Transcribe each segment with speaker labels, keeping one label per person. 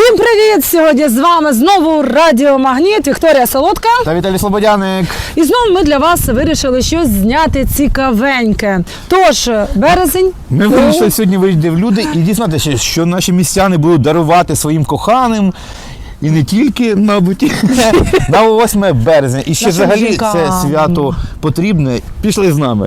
Speaker 1: Всім привіт! Сьогодні з вами знову Радіо Магніт, Вікторія Солодка
Speaker 2: та Віталій Слободяник.
Speaker 1: І знову ми для вас вирішили щось зняти цікавеньке. Тож, березень.
Speaker 2: Ми вирішили сьогодні вийти в люди і дізнатися, що наші містяни будуть дарувати своїм коханим. І не тільки, мабуть, на 8 березня. І ще
Speaker 1: Нашим
Speaker 2: взагалі
Speaker 1: жінкам.
Speaker 2: це свято потрібне. Пішли з нами.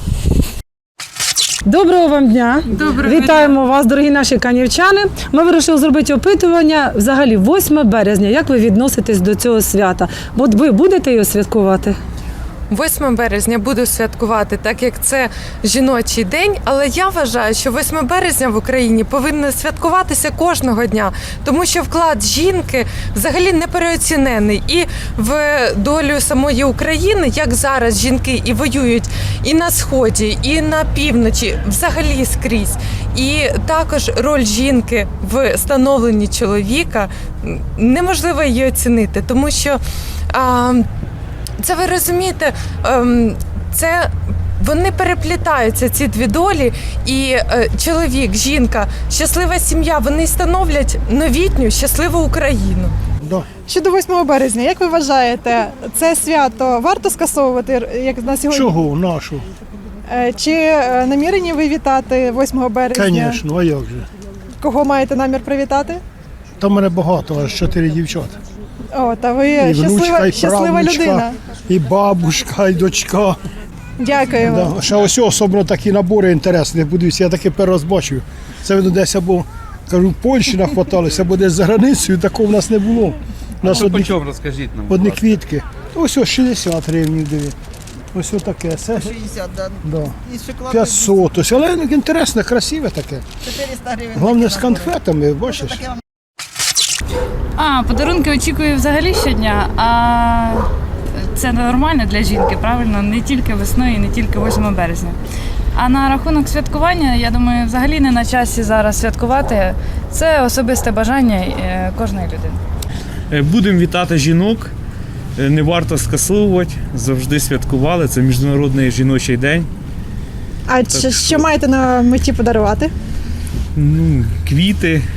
Speaker 1: Доброго вам дня!
Speaker 3: Доброго
Speaker 1: Вітаємо вас, дорогі наші канівчани. Ми вирішили зробити опитування взагалі 8 березня. Як ви відноситесь до цього свята? От ви будете його святкувати?
Speaker 3: 8 березня буду святкувати, так як це жіночий день, але я вважаю, що 8 березня в Україні повинно святкуватися кожного дня, тому що вклад жінки взагалі не переоцінений. І в долю самої України, як зараз жінки і воюють і на Сході, і на півночі, взагалі скрізь. І також роль жінки в становленні чоловіка неможливо її оцінити, тому що це ви розумієте, це вони переплітаються, ці дві долі, і чоловік, жінка, щаслива сім'я, вони становлять новітню щасливу Україну.
Speaker 4: Щодо 8 березня, як ви вважаєте, це свято варто скасовувати, як на сьогодні?
Speaker 5: Чого нашу?
Speaker 4: Чи намірені ви вітати 8 березня?
Speaker 5: Звісно, а як же?
Speaker 4: Кого маєте намір привітати?
Speaker 5: Там мене багато, аж 4 дівчата.
Speaker 4: О, та ви
Speaker 5: І внучка, і
Speaker 4: щаслива
Speaker 5: правнучка,
Speaker 4: людина.
Speaker 5: і бабушка, і дочка.
Speaker 4: Дякуємо.
Speaker 5: Да. Ще ось особливо такі набори інтересні. Подивіться, я таке перший раз бачив. Це видно десь або, кажу, в Польщі нахваталися, або десь за границею, такого в нас не було. У нас
Speaker 6: По чому, розкажіть нам?
Speaker 5: одні квітки. Ось 60 гривень, диви. Ось таке. Це
Speaker 7: 60, да.
Speaker 5: да.
Speaker 7: І шоколад
Speaker 5: 500. Ось, але інтересне, красиве таке.
Speaker 7: 400 гривень.
Speaker 5: Головне з конфетами, бачиш?
Speaker 8: Подарунки очікую взагалі щодня, а це нормально для жінки, правильно? Не тільки весною і не тільки 8 березня. А на рахунок святкування, я думаю, взагалі не на часі зараз святкувати. Це особисте бажання кожної людини.
Speaker 6: Будемо вітати жінок, не варто скасовувати, завжди святкували, це Міжнародний жіночий день.
Speaker 4: А що маєте на меті подарувати?
Speaker 6: Квіти,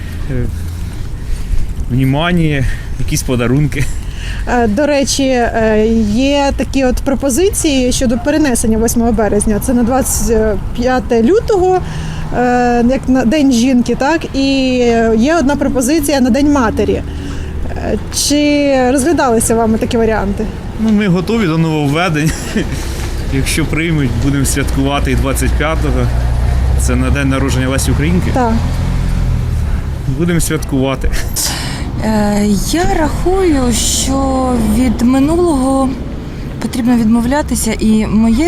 Speaker 6: внімання, якісь подарунки.
Speaker 4: До речі, є такі от пропозиції щодо перенесення 8 березня. Це на 25 лютого, як на День жінки, так? І є одна пропозиція на День матері. Чи розглядалися вами такі варіанти?
Speaker 6: Ми готові до нововведень. Якщо приймуть, будемо святкувати і 25-го. Це на день народження Лесі Українки.
Speaker 4: Так.
Speaker 6: Будемо святкувати.
Speaker 9: Я рахую, що від минулого потрібно відмовлятися, і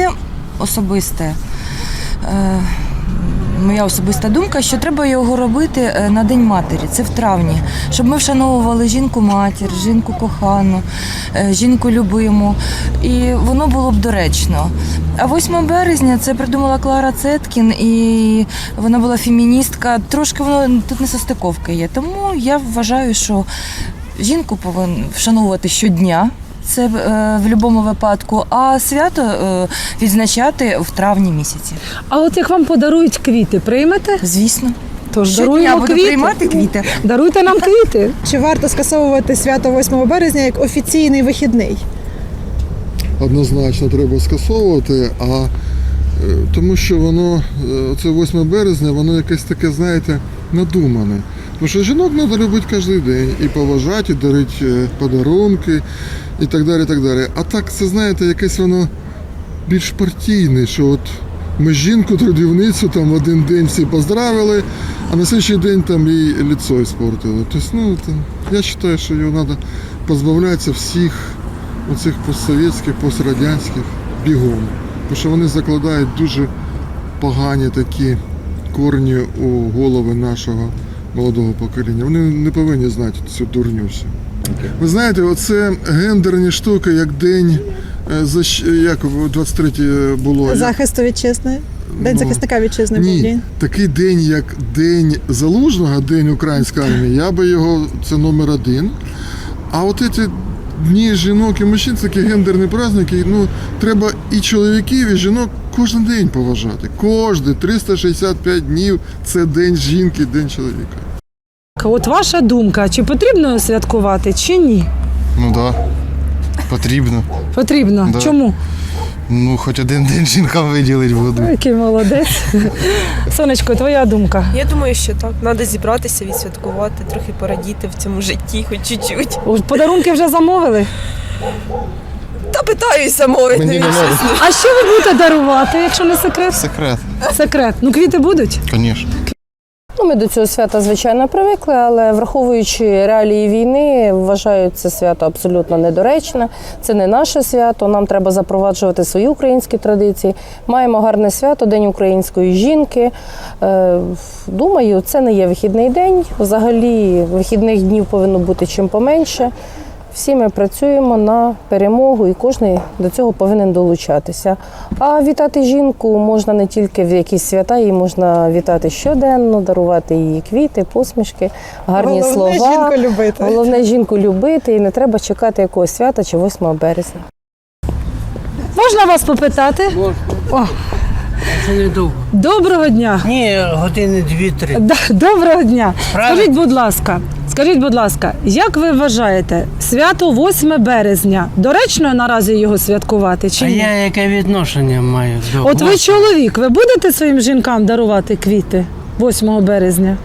Speaker 9: моя особиста думка, що треба його робити на День матері, це в травні, щоб ми вшановували жінку-матір, жінку кохану, жінку любиму, і воно було б доречно. А 8 березня це придумала Клара Цеткін, і вона була феміністка, трошки воно тут несостиковка є, тому я вважаю, що жінку повинен вшановувати щодня, це в будь-якому випадку, а свято відзначати в травні місяці.
Speaker 1: А от як вам подарують квіти, приймете?
Speaker 9: Звісно.
Speaker 1: Тож
Speaker 9: Щодня
Speaker 1: даруємо
Speaker 9: буду
Speaker 1: квіти.
Speaker 9: приймати квіти.
Speaker 1: Даруйте нам квіти.
Speaker 4: Чи варто скасовувати свято 8 березня як офіційний вихідний?
Speaker 10: Однозначно треба скасовувати, тому що воно, це 8 березня, воно якесь таке, знаєте, надумане. Тому що жінок треба любити кожен день, і поважати, і дарити подарунки, і так далі, і так далі. А так, це, знаєте, якесь воно більш партійне, що от ми жінку-трудівницю там в один день всі поздравили, а на слідчий день там їй лицо іспортили. Тобто, я вважаю, що його треба позбавлятися всіх оцих постсовєтських, пострадянських бігом. Тому що вони закладають дуже погані такі корні у голови нашого молодого покоління. Вони не повинні знати цю дурню всю. Ви знаєте, оце гендерні штуки, як день, як 23 було.
Speaker 4: Захисту вітчизни? День захисника вітчизни був
Speaker 10: Ні,
Speaker 4: день.
Speaker 10: такий день, як День Залужного, День української армії, я би його, це номер 1. А от ці дні жінок і мужчин, такі гендерні праздники, треба і чоловіків, і жінок кожен день поважати. Кожен 365 днів це День жінки, День чоловіка.
Speaker 1: От ваша думка, чи потрібно святкувати, чи ні?
Speaker 10: Ну так, да. Потрібно.
Speaker 1: Потрібно.
Speaker 10: Да.
Speaker 1: Чому?
Speaker 10: Ну, хоч один день жінкам виділити буду.
Speaker 1: Який молодець. Сонечко, твоя думка.
Speaker 7: Я думаю, що так. Треба зібратися, відсвяткувати, трохи порадіти в цьому житті, хоч чуть-чуть.
Speaker 1: Подарунки вже замовили?
Speaker 7: Та питаюся мовити.
Speaker 10: Мені не можна.
Speaker 1: А що ви будете дарувати, якщо не секрет?
Speaker 10: Секрет,
Speaker 1: Секрет. Ну, квіти будуть?
Speaker 10: звісно.
Speaker 11: Ну, ми до цього свята, звичайно, привикли, але враховуючи реалії війни, вважаю це свято абсолютно недоречне. Це не наше свято, нам треба запроваджувати свої українські традиції. Маємо гарне свято, День української жінки. Думаю, це не є вихідний день. Взагалі, вихідних днів повинно бути чим поменше. Всі ми працюємо на перемогу і кожен до цього повинен долучатися. А вітати жінку можна не тільки в якісь свята, її можна вітати щоденно, дарувати їй квіти, посмішки, гарні
Speaker 4: Головне
Speaker 11: слова.
Speaker 4: жінку любити.
Speaker 11: Головне жінку любити і не треба чекати якогось свята чи 8 березня.
Speaker 1: Можна вас попитати? О,
Speaker 12: Це недовго.
Speaker 1: доброго дня.
Speaker 12: Ні, години 2-3.
Speaker 1: Доброго дня.
Speaker 12: Правильно.
Speaker 1: Скажіть, будь ласка, як ви вважаєте, свято 8 березня, доречно наразі його святкувати чи
Speaker 12: А
Speaker 1: ні?
Speaker 12: я яке відношення маю до
Speaker 1: От ви чоловік, ви будете своїм жінкам дарувати квіти 8 березня?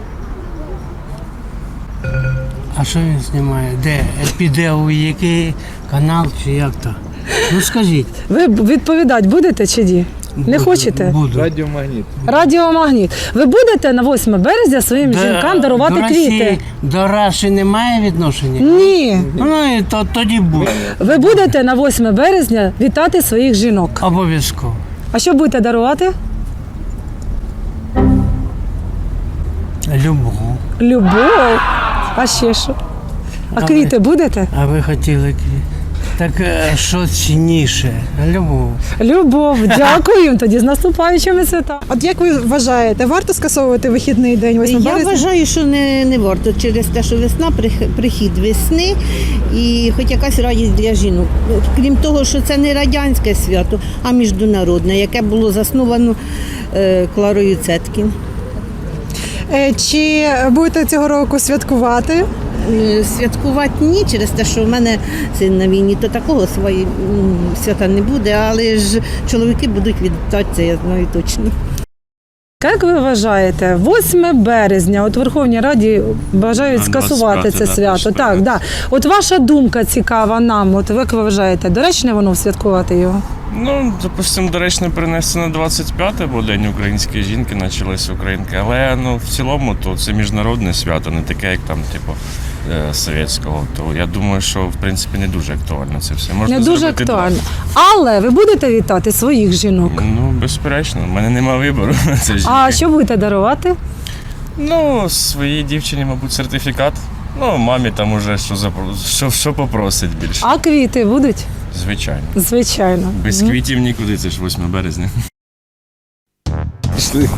Speaker 12: А що він знімає? Де? Піде у який канал чи як то? Ну скажіть.
Speaker 1: Ви відповідати будете чи ні? Не хочете?
Speaker 12: Буду.
Speaker 1: Радіомагніт. Ви будете на 8 березня своїм жінкам дарувати
Speaker 12: до Росії,
Speaker 1: квіти?
Speaker 12: До Раші немає відношення?
Speaker 1: Ні.
Speaker 12: Ну і тоді буде.
Speaker 1: Ви будете на 8 березня вітати своїх жінок.
Speaker 12: Обов'язково.
Speaker 1: А що будете дарувати?
Speaker 12: Любов.
Speaker 1: Любов. А ще що? А квіти будете?
Speaker 12: А ви хотіли квіти? Так що цінніше? Любов.
Speaker 1: Любов. Дякую. Тоді з наступаючими святами.
Speaker 4: От як ви вважаєте, варто скасовувати вихідний день 8
Speaker 13: Я
Speaker 4: березня?
Speaker 13: вважаю, що не варто через те, що весна, прихід весни і хоч якась радість для жінок. Крім того, що це не радянське свято, а міжнародне, яке було засновано Кларою Цеткін.
Speaker 4: Чи будете цього року святкувати?
Speaker 13: Святкувати ні, через те, що в мене син на війні, то такого свої свята не буде, але ж чоловіки будуть вітати, це я знаю точно.
Speaker 1: Як ви вважаєте, 8 березня, от в Верховній Раді бажають скасувати це свято. Так, да. От ваша думка цікава нам, от як ви вважаєте, доречно воно святкувати його?
Speaker 14: Ну, допустимо, доречно перенести на 25-те, бо День української жінки почалися українки. Але в цілому то це міжнародне свято, не таке, як там, типу, совєтського. То я думаю, що в принципі не дуже актуально це все. Можна
Speaker 1: Не дуже
Speaker 14: зробити
Speaker 1: актуально. Але ви будете вітати своїх жінок?
Speaker 14: Ну, безперечно, в мене немає вибору на це жінки.
Speaker 1: А що будете дарувати?
Speaker 14: Ну, своїй дівчині, мабуть, сертифікат. Ну, мамі там уже що попросить більше.
Speaker 1: А квіти будуть?
Speaker 14: Звичайно.
Speaker 1: Звичайно.
Speaker 14: Без квітів нікуди, це ж 8 березня.
Speaker 2: Пішли.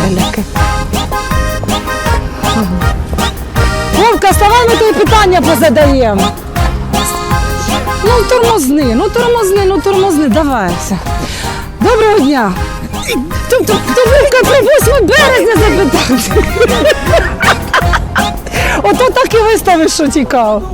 Speaker 1: Вовка, ставай, ми тобі питання позадаємо. Тормозни, давай. Доброго дня. То Вовка про 8 березня запитав. Ото так і виставиш, що цікаво.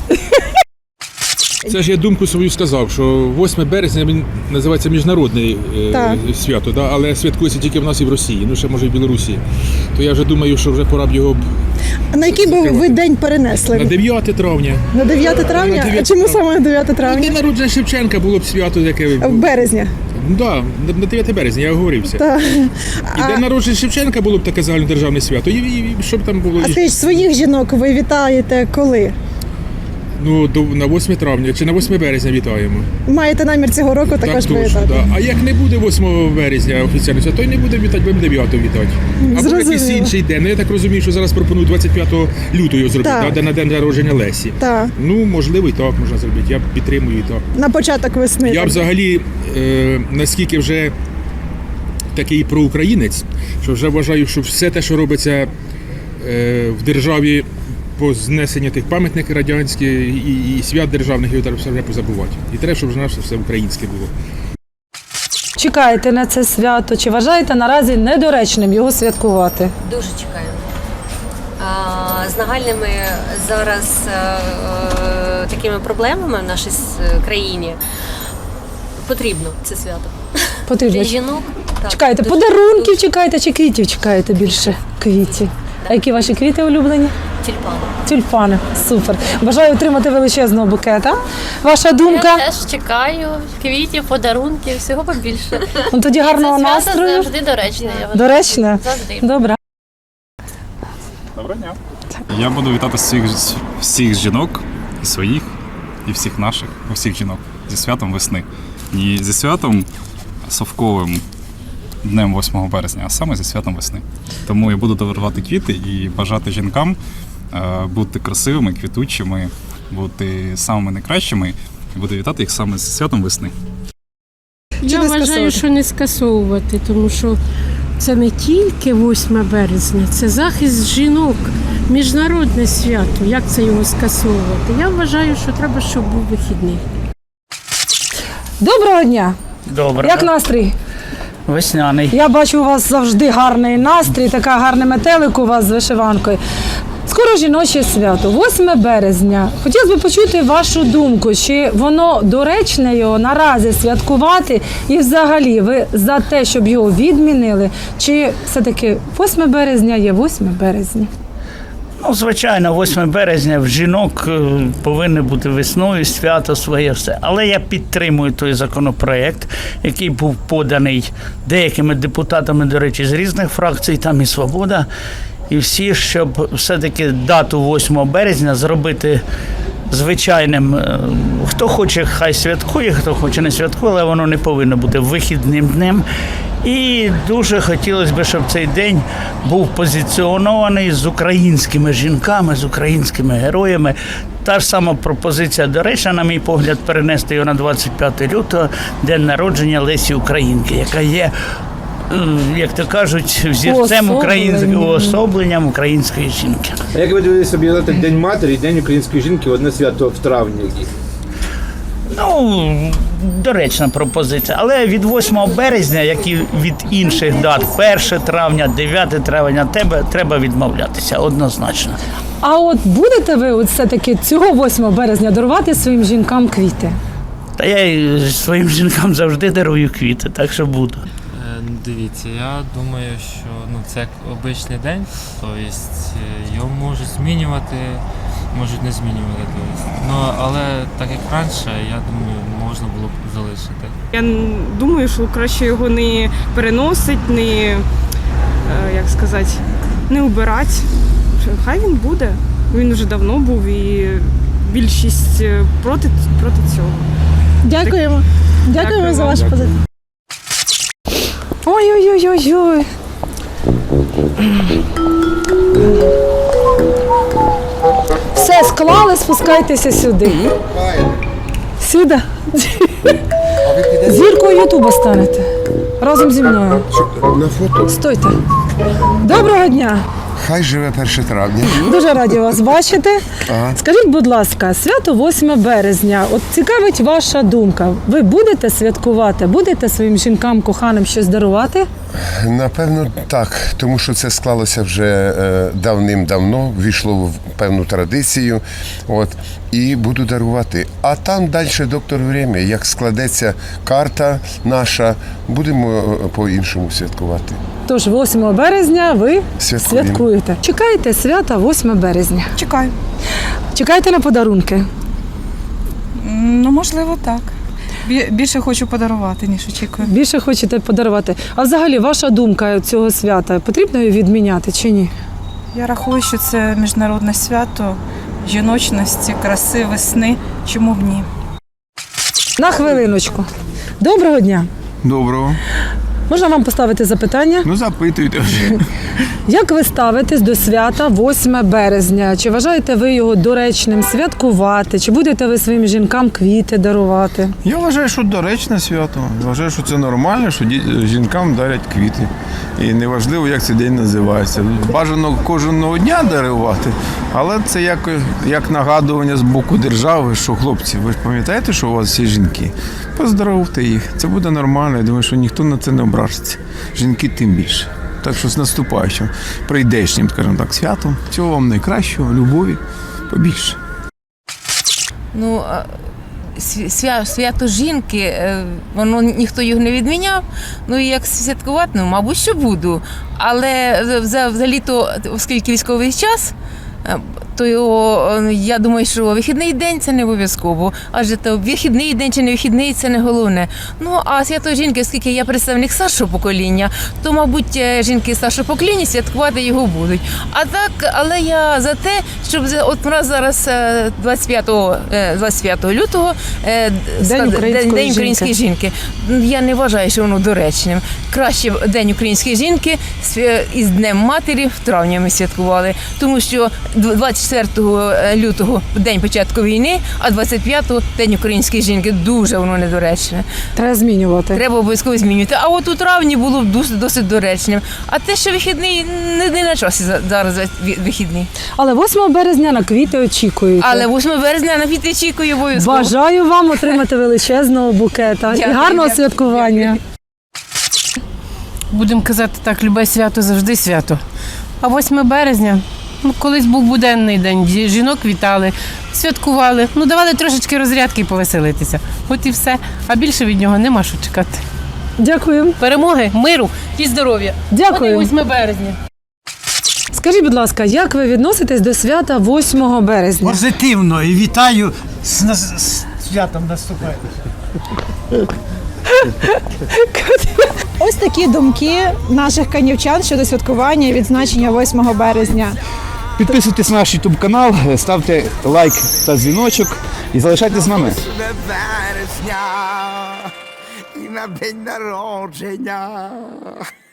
Speaker 15: Це ж я думку свою сказав, що 8 березня він називається міжнародне свято, да? Але святкується тільки в нас і в Росії, ну ще може і в Білорусі. То я вже думаю, що вже пора б його
Speaker 4: А на який би ви день перенесли?
Speaker 15: на 9 травня.
Speaker 4: На 9 травня?
Speaker 15: На 9
Speaker 4: А чому саме на 9 травня?
Speaker 15: День народження Шевченка було б свято, яке
Speaker 4: В березня.
Speaker 15: Ну так, на 9 березня, я оговорився.
Speaker 4: Так.
Speaker 15: І день народження Шевченка було б таке загальнодержавне свято. І щоб там було.
Speaker 4: А скажіть, своїх жінок ви вітаєте коли?
Speaker 15: Ну, на 8 травня чи на 8 березня вітаємо.
Speaker 4: Маєте намір цього року також
Speaker 15: Так, точно,
Speaker 4: привітати?
Speaker 15: да. А як не буде 8 березня офіційно, то й не буде вітати, будемо 9 вітати. Або
Speaker 4: Зрозуміло.
Speaker 15: якийсь інший день. Ну, я так розумію, що зараз пропонують 25 лютого його зробити,
Speaker 4: Так.
Speaker 15: да, на день народження Лесі.
Speaker 4: Так.
Speaker 15: Ну, можливо, і так можна зробити. Я підтримую і так.
Speaker 4: На початок весни.
Speaker 15: Я
Speaker 4: так.
Speaker 15: взагалі, наскільки вже такий проукраїнець, що вже вважаю, що все те, що робиться в державі по знесенню тих пам'ятників радянських і свят державних, його треба все вже позабувати. І треба, щоб вже наше все українське було.
Speaker 1: Чекаєте на це свято? Чи вважаєте наразі недоречним його святкувати?
Speaker 9: Дуже чекаю.
Speaker 16: з нагальними зараз такими проблемами в нашій країні потрібно це свято.
Speaker 1: Потрібно.
Speaker 16: Для жінок. Так,
Speaker 1: Чекаєте,
Speaker 16: дуже-
Speaker 1: подарунків чекаєте чи квітів чекаєте більше? Квітів. А які ваші квіти улюблені?
Speaker 16: Тюльпани.
Speaker 1: Тюльпани. Супер. Бажаю отримати величезного букета. Ваша думка?
Speaker 17: Я теж чекаю квітів, подарунків, всього побільше.
Speaker 1: Ну, тоді гарного
Speaker 17: Це свято
Speaker 1: настрою.
Speaker 17: завжди доречне, я вважаю.
Speaker 1: Доречне?
Speaker 17: Завжди.
Speaker 1: Добре.
Speaker 18: Доброго дня. Я буду вітати всіх жінок, і своїх, і всіх наших, усіх жінок зі святом весни. І зі святом совковим днем 8 березня, а саме зі святом весни. Тому я буду дарувати квіти і бажати жінкам бути красивими, квітучими, бути самими найкращими. І буду вітати їх саме зі святом весни.
Speaker 19: Я вважаю, що не скасовувати, тому що це не тільки 8 березня, це захист жінок, міжнародне свято. Як це його скасовувати? Я вважаю, що треба, щоб був вихідний.
Speaker 1: Доброго дня.
Speaker 20: Добре.
Speaker 1: Як настрій?
Speaker 20: Весняний.
Speaker 1: Я бачу, у вас завжди гарний настрій, така гарний метелик у вас з вишиванкою. Скоро жіноче свято, 8 березня. Хотілося б почути вашу думку, чи воно доречне його наразі святкувати, і взагалі ви за те, щоб його відмінили, чи все-таки 8 березня є 8 березня?
Speaker 20: Ну, звичайно, 8 березня в жінок повинно бути весною, свято своє все. Але я підтримую той законопроект, який був поданий деякими депутатами, до речі, з різних фракцій, там і «Свобода», і всі, щоб все-таки дату 8 березня зробити звичайним. Хто хоче, хай святкує, хто хоче, не святкує, але воно не повинно бути вихідним днем. І дуже хотілося б, щоб цей день був позиціонований з українськими жінками, з українськими героями. Та ж сама пропозиція доречна, на мій погляд, перенести його на 25 лютого, день народження Лесі Українки, яка є, як то кажуть, взірцем уособленням української жінки.
Speaker 2: А як ви дивитесь об'єднати День матері і День української жінки в одне свято в травні?
Speaker 20: Ну, доречна пропозиція. Але від 8 березня, як і від інших дат, 1 травня, 9 травня, треба відмовлятися однозначно.
Speaker 1: А от будете ви от все-таки цього 8 березня дарувати своїм жінкам квіти?
Speaker 20: Та я і своїм жінкам завжди дарую квіти, так що буду.
Speaker 21: Дивіться, я думаю, що це як обичний день, тобто його можуть змінювати, можуть не змінювати. Але так як раніше, я думаю, можна було б залишити.
Speaker 22: Я думаю, що краще його не переносить, не убирати. Хай він буде. Він вже давно був і більшість проти цього.
Speaker 4: Дякуємо. Дякуємо за ваш позитив.
Speaker 1: Ой-ой-ой-ой-ой. Все, склали, спускайтеся сюди. Сюди. Зіркою Ютуба станете. Разом зі мною.
Speaker 23: На фото.
Speaker 1: Стойте. Доброго дня.
Speaker 23: Хай живе 1 травня.
Speaker 1: Дуже раді вас бачити.
Speaker 23: Ага.
Speaker 1: Скажіть, будь ласка, свято 8 березня. От цікавить ваша думка. Ви будете святкувати? Будете своїм жінкам, коханим щось дарувати?
Speaker 23: Напевно, так, тому що це склалося вже давним-давно, ввійшло в певну традицію. І буду дарувати. А там далі доктор Время, як складеться карта наша, будемо по-іншому святкувати.
Speaker 1: Тож 8 березня ви святкуєте. Чекаєте свята 8 березня?
Speaker 24: Чекаю.
Speaker 1: Чекаєте на подарунки?
Speaker 24: Ну, можливо, так. Більше хочу подарувати, ніж очікую.
Speaker 1: Більше хочете подарувати. А взагалі, ваша думка цього свята, потрібно її відміняти чи ні?
Speaker 24: Я рахую, що це міжнародне свято жіночності, краси, весни. Чому б ні?
Speaker 1: На хвилиночку. Доброго дня.
Speaker 2: Доброго.
Speaker 1: Можна вам поставити запитання?
Speaker 2: Ну, запитуйте вже.
Speaker 1: Як ви ставитесь до свята 8 березня? Чи вважаєте ви його доречним святкувати? Чи будете ви своїм жінкам квіти дарувати?
Speaker 2: Я вважаю, що доречне свято. Вважаю, що це нормально, що жінкам дарять квіти. І неважливо, як цей день називається. Бажано кожного дня дарувати, але це як нагадування з боку держави, що хлопці, ви ж пам'ятаєте, що у вас є жінки? Поздоровте їх. Це буде нормально. Я думаю, що ніхто на це не ображиться. Жінки тим більше. Так що з наступаючим, прийдешнім, скажімо так, святом. Всього вам найкращого, любові, побільше.
Speaker 3: Ну, свято жінки, воно ніхто його не відміняв. Ну і як святкувати, ну, мабуть, що буду. Але взагалі-то, оскільки військовий час, то я думаю, що вихідний день це не обов'язково, адже то вихідний день чи не вихідний це не головне. Ну а свято жінки, оскільки я представник старшого покоління, то, мабуть, жінки старшого покоління святкувати його будуть. А так, але я за те, щоб от у нас зараз 25 лютого День української жінки. Я не вважаю, що воно доречним. Краще День української жінки із Днем Матері в травні ми святкували, тому що 24 лютого день початку війни, а 25-го День української жінки. Дуже воно недоречне.
Speaker 1: Треба змінювати.
Speaker 3: Треба обов'язково змінювати. А от у травні було б досить доречним. А те, що вихідний, не на часі зараз вихідний.
Speaker 1: Але 8 березня на квіти очікуєте.
Speaker 3: Але 8 березня на квіти очікую обов'язково.
Speaker 1: Бажаю вам отримати величезного букета і гарного святкування.
Speaker 19: Будемо казати так, любе свято завжди свято. А 8 березня, ну, колись був буденний день, жінок вітали, святкували, ну, давали трошечки розрядки і повеселитися. От і все. А більше від нього нема що чекати.
Speaker 1: Дякую.
Speaker 19: Перемоги, миру і здоров'я.
Speaker 1: Дякую.
Speaker 19: От і 8 березня.
Speaker 1: Скажіть, будь ласка, як ви відноситесь до свята 8 березня?
Speaker 12: Позитивно і вітаю з святом наступаючим.
Speaker 4: Ось такі думки наших канівчан щодо святкування і відзначення 8 березня.
Speaker 5: Підписуйтесь на наш YouTube канал, ставте лайк та дзвіночок і залишайтесь з нами.
Speaker 6: 8 березня і на день народження.